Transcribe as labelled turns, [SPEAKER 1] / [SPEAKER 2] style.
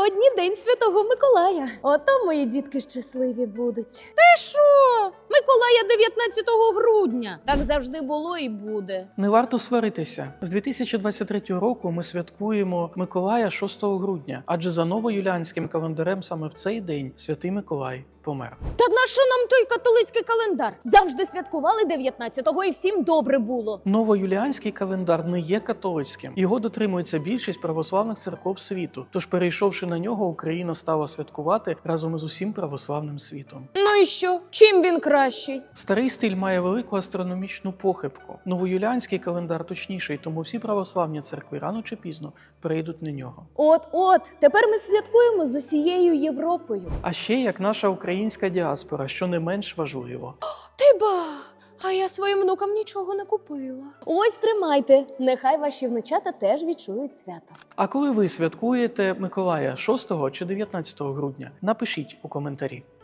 [SPEAKER 1] сьогодні День Святого Миколая. Ото мої дітки щасливі будуть.
[SPEAKER 2] Ти що? Миколая 19 грудня. Так завжди було і буде.
[SPEAKER 3] Не варто сваритися. З 2023 року ми святкуємо Миколая 6 грудня, адже за новоюліанським календарем саме в цей день Святий Миколай помер.
[SPEAKER 2] Та на що нам той католицький календар? Завжди святкували 19-го і всім добре було.
[SPEAKER 3] Новоюліанський календар не є католицьким. Його дотримується більшість православних церков світу. Тож, перейшовши на нього, Україна стала святкувати разом із усім православним світом.
[SPEAKER 2] Ну і що? Чим він кращий?
[SPEAKER 3] Старий стиль має велику астрономічну похибку. Новоюліанський календар точніший, тому всі православні церкви рано чи пізно перейдуть на нього.
[SPEAKER 1] От, тепер ми святкуємо з усією Європою.
[SPEAKER 3] А ще як наша українська діаспора, що не менш важливо.
[SPEAKER 2] Ти ба! А я своїм внукам нічого не купила.
[SPEAKER 1] Ось тримайте, нехай ваші внучата теж відчують свято.
[SPEAKER 3] А коли ви святкуєте Миколая 6 чи 19 грудня? Напишіть у коментарі.